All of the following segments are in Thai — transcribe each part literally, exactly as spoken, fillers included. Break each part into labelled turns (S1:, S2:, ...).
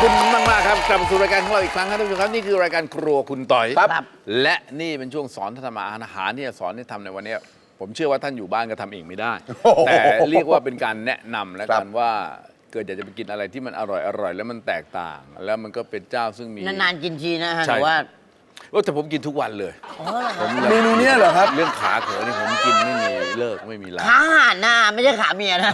S1: คุณมากมากครับกลับมาสู่รายการของเราอีกครั้งครับท่านผู้ชมครับนี่คือรายการครัวคุณต่อย
S2: ครับ
S1: และนี่เป็นช่วงสอนท่านทำอาหารที่จะสอนให้ทำในวันนี้ ผมเชื่อว่าท่านอยู่บ้านก็ทำเองไม่ได้ แต่เรียกว่าเป็นการแนะนำและกันว่าเกิดอยากจะไปกินอะไรที่มันอร่อยอร่อยแล้วมันแตกต่าง แล้วมันก็เป็นเจ้าซึ่งมี
S2: นานๆกินทีนะฮะ
S1: ใช่
S2: แต่ว่า
S1: โอ้แต่ผมกินทุกวันเลย
S2: อ๋อเหรอค
S1: ผ
S2: รับ
S1: ม
S3: เมนูเนี้ยเหรอครับ
S1: เรื่องขาเขอนี่ผมกินไม่มีเลิกไม่มีลา
S2: ขาห่านหน้าไม่ใช่ขาเมียนะ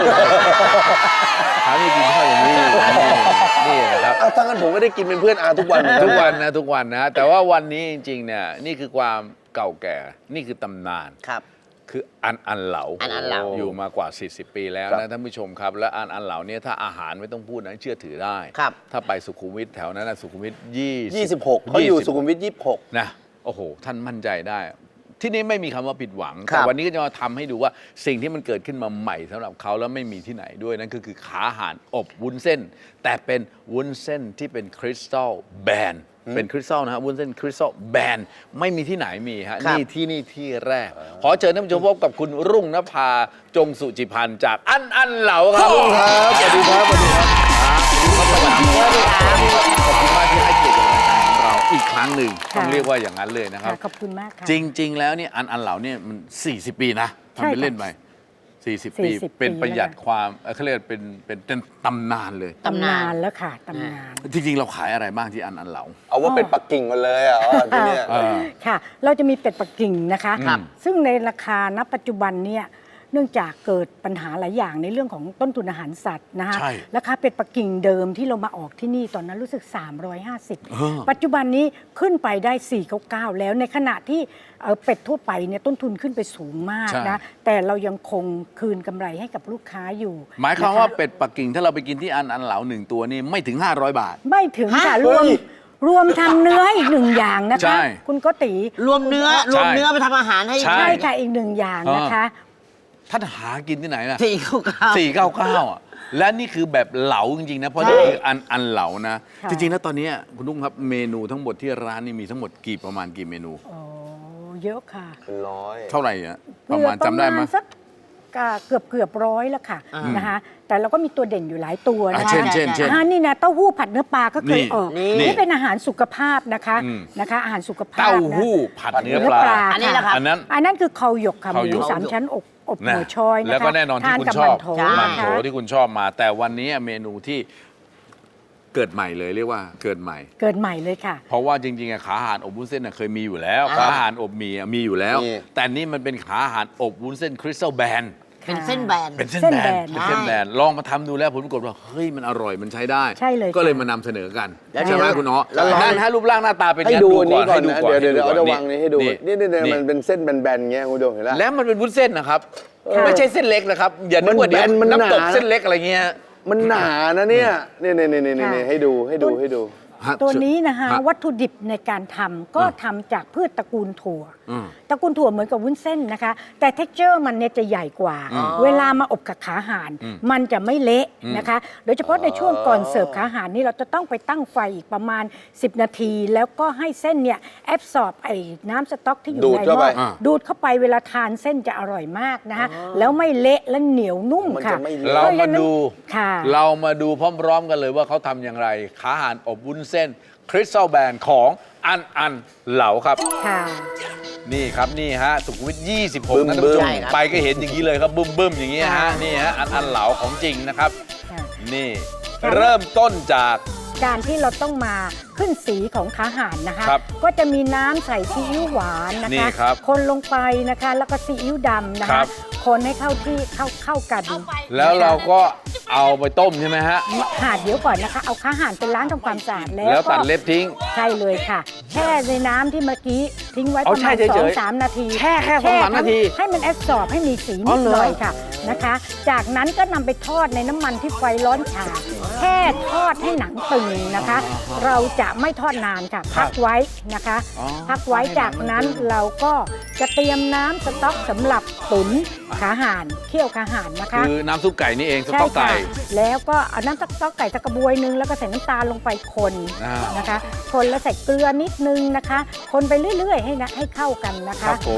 S1: ขาไม่กินข้าวอย่างนี้นี่นะครับ
S3: อ้าวถ้างั้นผมก็ได้กินเป็นเพื่อนอาทุกวันเหมือนกั
S1: ทุ
S3: น
S1: กวันนะทุกวันนะแต่ว่าวันนี้จริงๆเนี่ยนี่คือความเก่าแก่นี่คือตำนาน
S2: ครับ
S1: คืออันอันเหลา
S2: อันอันเหลา
S1: อยู่มากว่า สี่สิบ ปีแล้วนะท่านผู้ชมครับ และอันอันเหลาเนี่ยถ้าอาหารไม่ต้องพูดนะเชื่อถือได้
S2: ครับ
S1: ถ้าไปสุขุมวิทแถวนั้นนะสุขุมวิทยี่สิบ
S3: ยี่สิบหกเขาอยู่สุขุมวิทยี่สิบหก
S1: นะโอ้โห ท่านมั่นใจได้ ที่นี่ไม่มีคำว่าผิดหวัง
S2: ครั
S1: แต่
S2: บ
S1: วันนี้ก็จะมาทำให้ดูว่าสิ่งที่มันเกิดขึ้นมาใหม่สำหรับเขาแล้วไม่มีที่ไหนด้วยนั่นก็คือขาอาหารอบวุ้นเส้น แต่เป็นวุ้นเส้นที่เป็นคริสตัลแบนเป็นคริสตัลนะฮะวุ้นเส้นคริสตัลแบนไม่มีที่ไหนมีฮะ
S2: ครับ
S1: นี่ที่นี่ที่แรก ขอเชิญท่านผู้ชมพบกับคุณรุ่งนภาจงสุจิพันธ์จากอันอันเหลาครับ
S3: ครับสวัสดีครับสวัสดีครับ
S1: สวัสดีครับขอบคุณมากที่ให้เกียรติกับรายการของเราอีกครั้งหนึ่ง
S4: ค่ะ
S1: ต้องเรียกว่าอย่างนั้นเลยนะครับ
S4: ค่ะขอบคุณมากค่ะ
S1: จริง ๆ แล้วเนี่ยอันอันเหล่าเนี่ยมัน สี่สิบ ปีนะทำเป็นเล่นไปสี่สิบ ปี
S4: สี่สิบ
S1: เป็น
S4: ปี
S1: ประหยัด
S4: แล้วค่ะ
S1: ความเอ่อเขาเรียกเป็นเป็นเป็นตำนานเลย
S2: ตำนาน
S4: แล้วค่ะตำนาน
S1: จริง ๆ เราขายอะไรบ้างที่อันอันเหลา
S3: เอาว่าเป็นปักกิ่งมาเลยอ่ะอ๋อที่เนี่ย
S1: เออ
S4: ค่ะ เราจะมีเป็ดปักกิ่งนะคะ
S1: ครับ
S4: ซึ่งในราคาณปัจจุบันเนี่ยเนื่องจากเกิดปัญหาหลายอย่างในเรื่องของต้นทุนอาหารสัตว์นะคะ
S1: ใช่
S4: ราคาเป็ดปักกิ่งเดิมที่เรามาออกที่นี่ตอนนั้นรู้สึก สามร้อยห้าสิบ
S1: เออ
S4: ปัจจุบันนี้ขึ้นไปได้ สี่ร้อยเก้าสิบ แล้วในขณะที่เอ่อเป็ดทั่วไปเนี่ยต้นทุนขึ้นไปสูงมาก
S1: ใช่
S4: นะแต่เรายังคงคืนกำไรให้กับลูกค้าอยู่
S1: หมายความ
S4: นะคะ
S1: ว่าเป็ดปักกิ่งถ้าเราไปกินที่อันอันเหลาหนึ่งตัวนี่ไม่ถึง ห้าร้อย บาท
S4: ไม่ถึงค่ะ
S2: ฮะ
S4: รวม
S3: เฮ้ย
S4: รวมทำเนื้ออีกหนึ่งอย่างนะ
S1: ใช่
S4: คะ คุณโก็ตี
S2: รวมเนื้อรวมเนื้อไปทำอาหารให้
S1: ใช่
S4: ใช่ค่ะอีกหนึ่งอย่างนะคะ
S1: ท่านหากินที่ไหนล่ะ
S2: สี่เก้าเก้า
S1: สี่เก้าเก้าอ่ะและนี่คือแบบเหลาจริง ๆ นะ เพราะ
S2: ใช่
S1: นี่คืออันอันเหลานะ
S4: ค่ะ
S1: จริง ๆ แล้วตอนนี้คุณลุงครับเมนูทั้งหมดที่ร้านนี่มีทั้งหมดกี่ประมาณกี่เมนู
S4: โอ้เยอะค่ะ
S3: เป็นร้อย
S1: เท่าไหร่อะประมาณจำได้ไหม
S4: สักเกือบเกือบร้อยแล้วค่ะนะคะแต่เราก็มีตัวเด่นอยู่หลายตัว
S1: อ่ะ
S4: นะคะ
S1: เช่นเช่นเช่น
S4: อ่านี่นะเต้าหู้ผัดเนื้อปลาก็เคย
S1: นี่
S4: ออก
S1: นี่
S4: นี่เป็นอาหารสุขภาพนะคะ
S1: อืม
S4: นะคะอาหารสุขภาพ
S1: เต้า
S4: นะ
S1: หู้ผัดเนื้อ
S4: เนื้อ
S1: ปลา
S4: ปลา
S2: อันนี้แหละครับ
S1: อันนั้น
S4: อันนั้นคือเขาหยกค่ะห
S1: เขาหย
S4: มู
S1: ก
S4: สามชั้นอบอบ
S1: นะ
S4: หัวชอยนะคะ
S1: แล้วก็แน่นอนที่
S4: ทา
S1: คุณ
S4: กับ
S1: ชอบ
S4: มันโถ
S2: ใช่
S1: มัน
S4: นะ
S1: โถ
S4: คะ
S1: ที่คุณชอบมา แต่วันนี้เมนูที่เกิดใหม่เลยเรียกว่าเกิดใหม่
S4: เกิดใหม่เลยค่ะ
S1: เพราะว่าจริงๆอะขาอาหารอบวุ้นเส้นน่ะเคยมีอยู่แล้ว
S2: อ่า
S1: ขาอาหารอบหมี่อะมีอยู่แล้ว
S3: มี
S1: แต่นี่มันเป็นขาอาหารอบวุ้นเส้นคริสตัลแบน
S2: เป็นเส้นแบน
S1: เป็นเส้น
S4: เส้น
S1: แบ
S4: แบ
S1: น
S4: น
S1: เป็นเส้นแบนลองมาทำดูแล้วผลปรากฏว่าเฮ้ยมันอร่อยมันใช้ได้
S4: ใช่เลย
S1: ก็เลย
S4: ค่ะ
S1: มานำเสนอกัน
S2: แล้ว
S1: ใช่ไหม
S2: เดี๋ยว
S1: คุณเนาะ
S3: แล้วเรา
S1: นั่นฮะรูปร่างหน้าตาเป็น
S3: ให้
S1: ไง
S3: ดูอันนี้ก่อน
S1: ให้
S3: นะเดี๋ยวเดี๋ยวเดี๋ยวเอาจะ
S1: ก่
S3: วางนี้ให้ดูนี่นี่เนี่ยมันเป็นเส้นแบนๆเงี้ยคุณผู้ชมเห็นไหม
S1: แล้วมันเป็นวุ้นเส้นนะครับ
S4: ค่ะ
S1: ไม่ใช่เส้นเล็กนะครับอย่านึกว่าเดี๋ยว
S3: มันแบนมันหนา
S1: น้ำตกเส้นเล็กอะไรเงี้ย
S3: มันหนานะเนี่ยนี่นี่นี่นี่
S4: ค่ะ
S3: นี่ให้ดูให้ดูให้ดู
S1: ฮะ
S4: ตัวนี้นะคะ
S1: ฮะ
S4: วัตถุดิบในการทำก็
S1: อ่า
S4: ทำจากพืชตระกูลถั่ว
S1: อืม
S4: ตระกูลถั่วเหมือนกับวุ้นเส้นนะคะ แต่เท็กเจอร์มันเนี่ยจะใหญ่กว่า
S1: อืม
S4: เวลามาอบกับขาห่าน
S1: อืม
S4: มันจะไม่เละ
S1: อืม
S4: นะคะ โดยเฉพาะในช่วงก่อนเสิร์ฟขาห่านนี่เราจะต้องไปตั้งไฟอีกประมาณ สิบ นาที แล้วก็ให้เส้นเนี่ยแอบสอบไอ้น้ำสต๊อกที่อยู่
S3: ดูด
S4: ในห
S3: เข้า
S4: ม้
S3: ไป
S4: อดูดเข้าไปเวลาทานเส้นจะอร่อยมากนะคะแล้วไม่เละและเหนียวนุ่ม
S3: มัน
S4: ค่ะ
S3: จะไม่เละ
S1: เรามาดู
S4: ค่ะ
S1: เรามาดูพร้อมๆกันเลยว่าเขาทำอย่างไรขาอาหารอบวุ้นเส้นคริสตัลแบนของอันอันเหลาครับ
S4: ค่ะ
S1: นี่ครับนี่ฮะสุขุมวิทยี่สิบหก
S3: บึ้ม
S1: นะท่านผู้ชม
S2: ใช่ครับ
S1: ไปก็เห็นอย่างนี้เลยครับบึ้มบึ้มๆอย่างนี้ฮะ
S4: ค่ะ
S1: นี่ฮะอันอันเหลาของจริงนะครับ
S4: ค่ะ
S1: นี่เริ่มต้นจาก
S4: การที่เราต้องมาขึ้นสีของขาห่านนะคะ
S1: ครับ
S4: ก็จะมีน้ำใส่ซีอิ๊วหวานนะ
S1: นี่
S4: คะ
S1: ครับ
S4: คนลงไปนะคะ แล้วก็ซีอิ๊วดำนะ
S1: ครั
S4: คะ
S1: บ
S4: คนให้เข้าที่เข้าเข้ากัน
S1: แล้วเราก็เอาไปต้มใช่ไหมฮะ
S4: หาดเดี๋ยวก่อนนะคะ เอาขาห่านไปล้างทำความสะอาดแล้ว
S1: แล้วตัด
S4: ก็
S1: เล็บทิ้ง
S4: ใช่เลยค่ะ แช่ในน้ำที่เมื่อกี้ทิ้งไว้ป
S1: เอา
S4: ระ
S1: แช่
S4: มาณ
S1: เฉยๆ
S4: สองสามนาที
S1: แช่แค่สองสามนาที
S4: ให้มันแอบสอบให้มีสี
S1: อ๋
S4: นิ
S1: อ
S4: ด
S1: เหรอ
S4: หน่อยค่ะนะคะ จากนั้นก็นำไปทอดในน้ำมันที่ไฟร้อนฉ่าแค่ทอดให้หนังตึงนะคะ เราจะไม่ทอดนานค่ะ พักไว้นะคะ
S1: อ๋อ
S4: พักไว้จากนั้นเราก็จะเตรียมน้ำสต๊อกสำหรับตุ๋นขาห่านเคี่ยวขาห่านนะคะ
S1: คือน้ำซุปไก่นี่เองส
S4: ใช่
S1: ต๊อกไก่
S4: ค่ะแล้วก็เอาน้ำสต๊อกไก่ตะกระบวยนึงแล้วก็ใส่น้ำตาลลงไปคน
S1: อ่าน
S4: นะคะ คนแล้วใส่เกลือนิดนึงนะคะ คนไปเรื่อยๆให้นะให้เข้ากันนะ
S1: ค
S4: คะ
S1: รับผม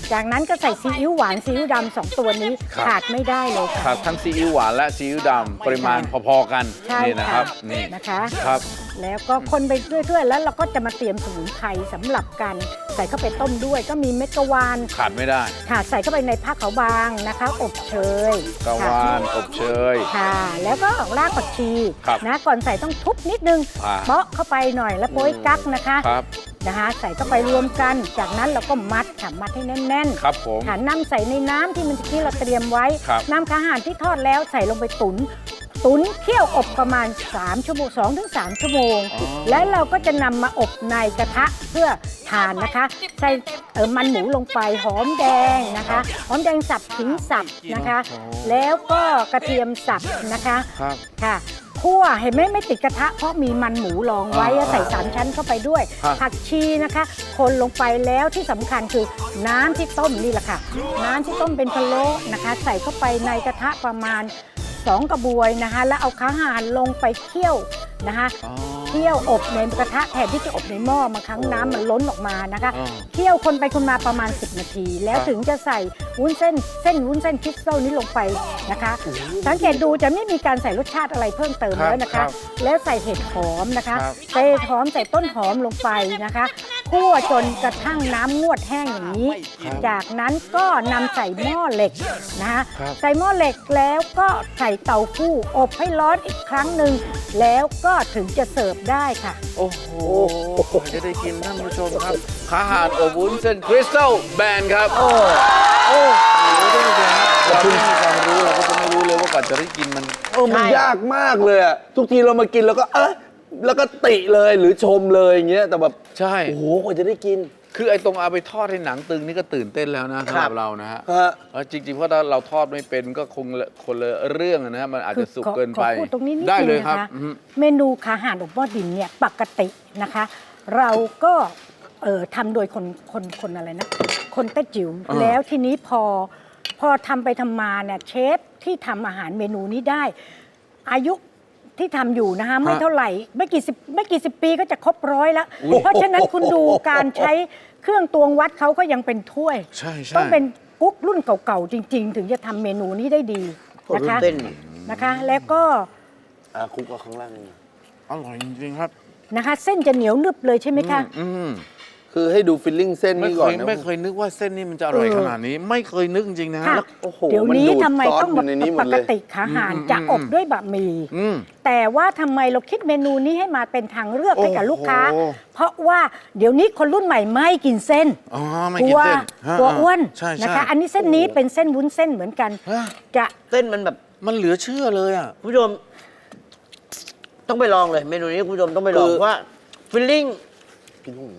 S4: จากนั้นก็ใส่ซีอิ๊วหวานซีอิ๊วดำสองตัวนี้
S1: ครับ
S4: ขาดไม่ได้เลย
S1: ครั
S4: ค่ะ
S1: บทั้งซีอิ๊วหวานและซีอิ๊วดำปริมาณพอๆกัน
S4: ใช่
S1: นี่นะค
S4: ค่ะ
S1: รับนี่
S4: นะคะ
S1: ครับ
S4: แล้วก็คนไปเรื่อยๆ แล้วเราก็จะมาเตรียมสมุนไพรสำหรับการใส่เข้าไปต้มด้วย ก็มีเม็ดกะวาน
S1: ขาดไม่ได้
S4: ค่ะใส่เข้าไปในผ้าขาวบางนะคะ อบเชย
S1: กะ
S4: ค่ะ
S1: วานอบเชย
S4: ค่ะ แล้วก็รากผักชี
S1: ครับ
S4: นะก่อนใส่ต้องทุบนิดนึง
S1: อ่า
S4: เปาะเข้าไปหน่อยแล้วโป๊ยกั๊กนะคะ
S1: ครับ
S4: นะคะ ใส่เข้าไปรวมกัน จากนั้นเราก็มัดค่ะมัดให้แน่นๆ
S1: ครับผม
S4: ค่ะนำใส่ในน้ำที่มันที่เราเตรียมไว้
S1: ครับ
S4: นำอาหารที่ทอดแล้วใส่ลงไปตุนตุนเคี่ยวอบประมาณ3ชั่วโมง2ถึง3ชั่วโมง แล้วเราก็จะนำมาอบในกระทะเพื่อทานนะคะ ใส่เออมันหมูลงไปหอมแดงนะคะหอมแดงสับขิงสับนะคะ แล้วก็กระเทียมสับนะคะ
S1: ครับ
S4: ค่ะคั่วเห็นไหมไม่ติดกระทะเพราะมีมันหมูรองไว้
S1: อ่า
S4: ใส่สามชั้นเข้าไปด้วย
S1: ครับ
S4: ผักชีนะคะ คนลงไปแล้วที่สำคัญคือน้ำที่ต้มนี่แหละค่ะ น้ำที่ต้มเป็นพะโล้นะคะ ใส่เข้าไปในกระทะประมาณสองกระบวยนะคะ แล้วเอาข้าวหารลงไปเคี่ยวนะคะ
S1: อ๋อ
S4: เคี่ยวอบในกระทะแทนที่จะอบในหม้อบางครั้งน้ำมันล้นออกมานะคะ
S1: อ่า
S4: เคี่ยวคนไปคนมาประมาณสิบนาที แล้ว
S1: ครับ
S4: ถึงจะใส่วุ้นเส้นเส้นวุ้นเส้นคริสตัลนี้ลงไปนะคะ สังเกตดูจะไม่มีการใส่รสชาติอะไรเพิ่มเติม
S1: ครับ
S4: แล้วนะ
S1: ครั
S4: คะ
S1: บ
S4: แล้วใส่เห็ดหอมนะคะ
S1: ครับ
S4: ใส่เห็ดหอมใส่ต้นหอมลงไปนะคะคั่วจนกระทั่งน้ำงวดแห้งอย่างนี้ จากนั้นก็นำใส่หม้อเหล็กนะคะ
S1: ครับ
S4: ใส่หม้อเหล็กแล้วก็ใส่เตาฟู้อบให้ร้อนอีกครั้งหนึ่งแล้วก็ถึงจะเสิร์ฟได้ค่ะ
S1: โอ้โหจะได้กินท่านผู้ชมครับขาหารอบวุ้นเส้นคริสตัลแบนครับ โอ้โอ้ท่านผู้ชมครับเราไม่มีความรู้เราก็จะไม่รู้เลยว่ากว่าจะได้กินมัน
S3: เออมัน
S2: ใช่
S3: ยากมากเลยอะทุกทีเรามากินแล้วก็เอะแล้วก็ติเลยหรือชมเลยอย่างเงี้ยแต่แบบ
S1: ใช่
S3: โอ้โหกว่าจะได้กิน
S1: คือไอ้ตรงเอาไปทอดให้หนังตึงนี่ก็ตื่นเต้นแล้วนะสำหรับเรานะฮะ
S3: ฮะ
S1: เออจริงๆเพราะถ้าเราทอดไม่เป็นก็คงละคนละเรื่องนะฮะมันอาจจะสุกเกินไป
S4: ขอขอพูดตรงนี้นิด
S1: ได้
S4: นึ
S1: เลย
S4: ง
S1: ครับ
S4: นะคะ
S1: อือฮึ
S4: เมนูขาหารอบหม้อดินเนี่ยปกตินะคะ เราก็เอ่อทำโดยคนคนคนอะไรนะ คนแต้จิ๋ว
S1: อ่า
S4: แล้วทีนี้พอพอทำไปทำมาเนี่ยเชฟที่ทำอาหารเมนูนี้ได้ อายุที่ทำอยู่นะคะไม่เท่าไหร่ไม่กี่สิบไม่กี่สิบปีก็จะครบร้อยแล้ว เพราะฉะนั้นคุณดูการใช้เครื่องตวงวัดเขาก็ยังเป็นถ้วย
S1: ใช่ใช่
S4: ต้องเป็นกุ๊กรุ่นเก่าๆจริง ๆ ถึงจะทำเมนูนี้ได้ดีนะคะ
S2: เต้น
S4: นะคะ แล้วก็
S3: อ่ะคุกเอาข้างล่างนี่
S1: อร่อยจริงๆครับ
S4: นะคะเส้นจะเหนียวนึบเลยใช่ไหมคะ
S1: อืม
S3: คือให้ดูฟิลลิ่งเส้น
S1: ไม่
S3: นี่
S1: เค
S3: ก่อน
S1: ย
S3: นะ
S1: ไม่เคยนึกว่าเส้นนี้มันจะอร่อย
S4: เออ
S1: ขนาดนี้ ไม่เคยนึกจริงๆนะ
S4: ค่ะ
S1: แล้ว
S3: โอ้โห
S4: เดี๋ยวนี้
S3: มันดูด
S4: ทำไม
S3: ซอส
S4: ต้อง
S3: อยู่ในนี้หม
S4: ป
S3: ด
S4: ก
S3: เลย
S4: ติขาหาร
S1: อืม
S4: จะ
S1: อืม
S4: อบด้วยบะหมี่
S1: อืม
S4: แต่ว่าทำไมเราคิดเมนูนี้ให้มาเป็นทางเลือกให้กับ
S1: โอ้โห
S4: ลูกค้า เพราะว่าเดี๋ยวนี้คนรุ่นใหม่ไม่กินเส้น
S1: อ๋อไม่
S4: กลั
S1: กิน
S4: ว
S1: เส้นฮะ
S4: กลัวอ้วน
S1: ใช่ใช่
S4: นะคะ อันนี้เส้นนี้เป็นเส้นวุ้นเส้นเหมือนกัน
S1: ฮะ
S4: จะ
S2: เส้นมันแบบ
S1: มันเหลือเชื่อเลยอ่ะ
S2: คุณผู้ชมต้องไปลองเลยเมนูนี้คุณผู้ชมต้องไปลอง
S3: คือ
S2: ว่าฟิลลิ่ง
S3: กินหู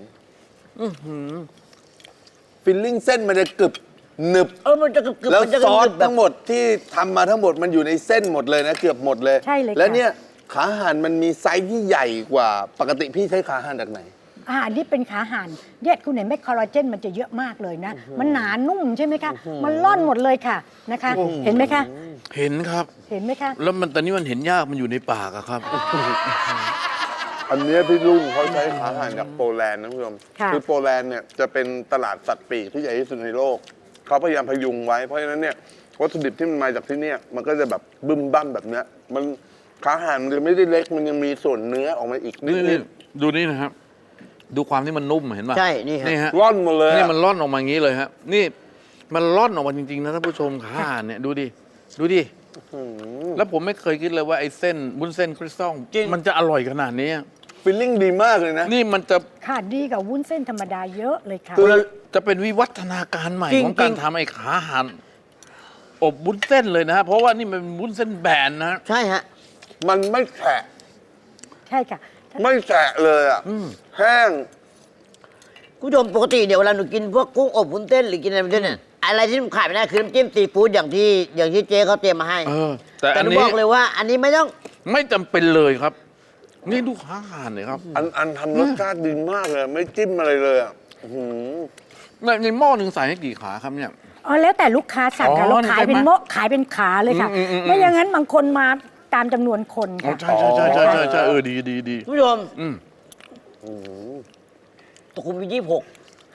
S3: ฟิลลิ่งเส้นมันจะกรึบหนึบ
S2: เออมันจะกรึบๆ
S3: แล้ว
S2: มันจะ
S3: ซอส
S2: กรึบๆแบบ
S3: ทั้งหมดที่ทำมาทั้งหมดมันอยู่ในเส้นหมดเลยนะ เกือบหมดเลย
S4: ใช่เลยค่ะ
S3: แล้วเนี่ยขาห่านมันมีไซส์ที่ใหญ่กว่า ปกติพี่ใช้ขาห่านจากไหน
S4: อาหารที่เป็นขาห่านเนี่ยคุณเห็นไหมคอลลาเจนมันจะเยอะมากเลยนะ มันหนานุ่มใช่ไหมคะ มันร่อนหมดเลยค่ะนะคะ เห็นไหมคะ
S1: เห็นครับ
S4: เห็นไหมคะ
S1: แล้วมันตอนนี้มันเห็นยากมันอยู่ในปากอะครับ
S3: อันเนี้ยพี่ลุงเขาใช้ขาห่านจากโปแลนด์นะคุณผู้ชม
S4: ค่ะ
S3: อโปแลนด์เนี่ยจะเป็นตลาดสัตว์ปีกที่ใหญ่ที่สุดในโลก เขาพยายามพยุงไว้ เพราะฉะนั้นเนี่ยวัตถุดิบที่มันมาจากที่เนี่ยมันก็จะแบบบึ้มบั้มแบบเนี้ยมันขาห่านมันจะไม่ได้เล็กมันยังมีส่วนเนื้อออกมาอีกนิ
S1: นี่
S3: ด
S1: ดูนี่นะครับ ดูความที่มันนุ่มเห็นป่ะ
S2: ใช่นี่ฮะ
S1: นี่ฮะ
S3: ๆร่อนหมดเลย
S1: นี่
S3: อะ
S1: มันร่อนออกมาอย่างนี้เลยฮะนี่มันร่อนออกมาจริงๆนะท่านผู้ชมขาห่านเนี่ยดูดิดูดิแล้วผมไม่เคยคิดเลยว่าไอ้เส้นบุ้นเส้นคริสตัลมันจะอร่อยขนาดนี้
S3: ฟิลลิ่งดีมากเลยนะ
S1: นี่มันจะ
S4: ค่ะดีกับวุ้นเส้นธรรมดาเยอะเลยค่ะ
S1: คือจะเป็นวิวัฒนาการใหม่
S2: จริง
S1: ของการ
S2: จริง
S1: ทำไอ้ขาห่านอบบุ้นเส้นเลยนะฮะเพราะว่านี่มันบุ้นเส้นแบนนะ
S2: ใช่ฮะ
S3: มันไม่แฉะ
S4: ใช่ค่ะ
S3: ไม่แฉะเลยอ่ะแห้ง
S2: คุณผู้ชมปกติเดี๋ยวเวลาหนูกินพวกกุ้งอบวุ้นเส้นหรือกินอะไรแบบนี้เนี่ยอะไรที่มันขาดไม่ได้คือน้ำจิ้มซีฟู้ดอย่างที่อย่างที่เจ๊เขาเตรียมมาให้
S1: เออ แต่
S2: แต่
S1: อัน
S2: หนู
S1: นี้
S2: บอกเลยว่า อันนี้ไม่ต้อง
S1: ไม่จำเป็นเลยครับ นี่ดูขาห่านเลยครับ
S3: อันอันทำรสชาติดีมากเลย ไม่จิ้มอะไรเลยอ่ะอื้อหือ
S1: ในในหม้อหนึ่งใส่ให้กี่ขาครับเนี่ย
S4: อ๋อแล้วแต่ลูกค้าสั่งค่ะ
S1: อ๋อ
S4: เราขายเป็น
S1: ใช่ไหม
S4: โมะขายเป็นขาเลยค่ะ
S1: อืมอืมอืม
S4: ไม่อย่างนั้นบางคนมาตามจำนวนคน
S1: อ๋อ
S4: ค่ะ
S1: ใช่ใช่ใช่ใช่ใช่ใช่เออดีดีดี
S2: คุณผู้ชม
S1: อืม
S2: ตะคุมยี่สิบหก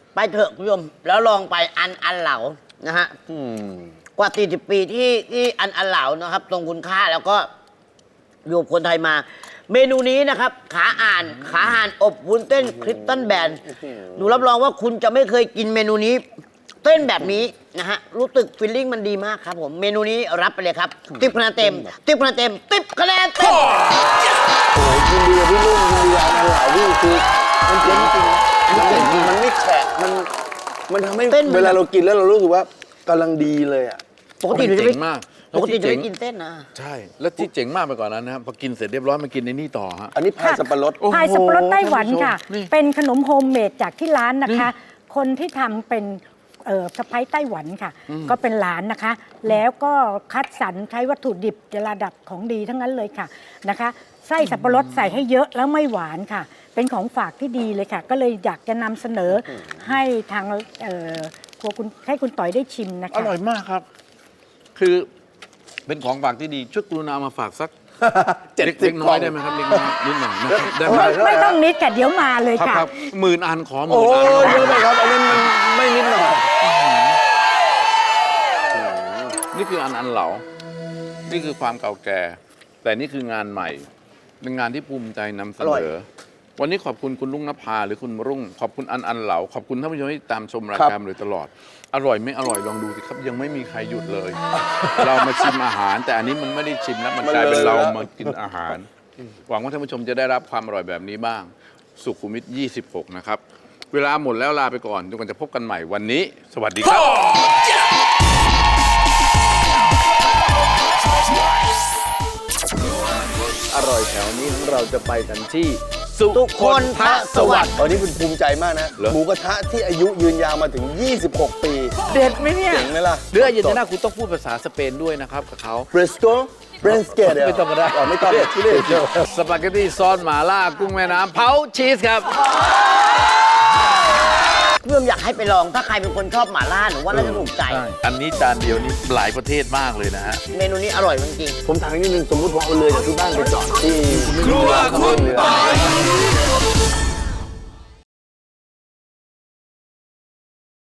S2: ไปเถอะคุณผู้ชมแล้วลองไปอันอันเหลานะฮะ
S3: อืม
S2: กว่าสี่สิบปีที่ที่อันอันเหลานะครับตรงคุณค่าแล้วก็อยู่กับคนไทยมา เมนูนี้นะครับขาอ่านขาห่านอบวุ้นเส้นคริสตัลแบนหนูรับรองว่าคุณจะไม่เคยกินเมนูนี้เต้นแบบนี้นะฮะรู้สึกฟีลลิ่งมันดีมากครับผมเมนูนี้รับไปเลยครับติ๊บคะแนนเต็มติ๊บคะแนนเต็มติ๊บคะแนนเต็ม
S3: โอ้ยยินดีกับพี่ลุงยินดีกับอันเหลาพี่คือมันเจ๋งจริงนะมันเจ๋งจริงมันไม่แฉะมันมันทำให้
S2: เต้นมัน
S3: เวลาเรากินแล้วเรารู้สึกว่ากำลังดีเลยอ่ะ
S2: ปกติหนูจะ
S1: เจ๋
S2: ไม่
S1: งมาก
S2: ปกติจะ
S1: เจ๋
S2: ไม่
S1: ง
S2: กินเส้นนะ
S1: ใช่ แล้วที่เจ๋งมากไปกว่านั้นนะครับพอกินเสร็จเรียบร้อยมากินในนี่ต่อฮะ
S3: อันนี้พายสับปะรด
S1: โอ้โห
S4: พายสับปะรดไต้หวันค่ะ
S1: ท่านผู้ชมนี่
S4: เป็นขนมโฮมเมดจากที่ร้านนะคะ คนที่ทำเป็นเอ่อสะพ้ายไต้หวันค่ะ ก็เป็นหลานนะคะ แล้วก็คัดสรรใช้วัตถุดิบระดับของดีทั้งนั้นเลยค่ะนะคะ ไส้สับปะรดใส่ให้เยอะแล้วไม่หวานค่ะ เป็นของฝากที่ดีเลยค่ะ ก็เลยอยากจะนำเสนอให้ทางเอ่อครัวคุณให้คุณต่อยได้ชิมนะ
S1: อ
S4: คะ
S1: ร่อยมากครับ คือเป็นของฝากที่ดีช่วยกรุณามาฝากสัก
S3: เจ็ด
S1: เล็ก
S3: สิบ
S1: เล็กน้อยได้ไหมครับเล็กน้อยนิดหน่อยนะครับได้ไหม
S3: เท่าไหร่
S4: ไม่ต้องนิดค่ะเดี๋ยวมาเลย
S1: ครับ
S4: ค่ะ
S1: ครับหมื่นอันขอหมื่
S3: โอ้
S1: นอัน
S3: ยเยอะไปครับอันนี้มันไม่นิดหน่อย
S1: นี่คืออันอันเหลา นี่คือความเก่าแก่ แต่นี่คืองานใหม่ เป็นงานที่ภูมิใจนำเสนอ วันนี้ขอบคุณคุณลุงนภาหรือคุณรุ่ง ขอบคุณอันอันเหลา ขอบคุณท่านผู้ชมที่ตามชมรายการมาโดยตลอด อร่อยไม่อร่อยลองดูสิครับ ยังไม่มีใครหยุดเลย เรามาชิมอาหาร แต่อันนี้มันไม่ได้ชิมแล้วมันกลายเป็นเรามากินอาหาร หวังว่าท่านผู้ชมจะได้รับความอร่อยแบบนี้บ้าง สุขุมวิทยี่สิบหกนะครับ เวลาหมดแล้วลาไปก่อนจนกว่าจะพบกันใหม่วันนี้ สวัสดีครับ อร่อยแถวนี้เราจะไปกันที่สุ
S2: ทุกคนทะสวัสดิ์
S3: ตอนนี้คุณภูมิใจมากนะ
S1: เหรอ
S3: หมูกระทะที่อายุยืนยาวมาถึง ยี่สิบหก ปี
S1: เด็ดไหมเนี่ย
S3: เจ๋งไหมล่ะ
S1: เรืออาร์เจนตินาคุณต้องพูดภาษาสเปนด้วยนะครับกับเขา
S3: เบรสโกเบรสเกต
S1: ไม่ต้องก็ได้
S3: ไม่ต้องที่เรียก
S1: สปาเกตตี้ซอสหม่าล่ากุ้งแม่น้ำเผาชีสครับ
S2: เพื่อมอยากให้ไปลองถ้าใครเป็นคนชอบหม่าล่าหนูว่าน่าจะถูกใจ
S1: อันนี้จานเดียวนี่หลายประเทศมากเลยนะฮะ
S2: เมนูนี้อร่อยจริงๆ
S3: ผมถามนิดนึงสมมติผมเอาเรือจากที่บ้านไปจอดที่
S1: ครัวคุณปอย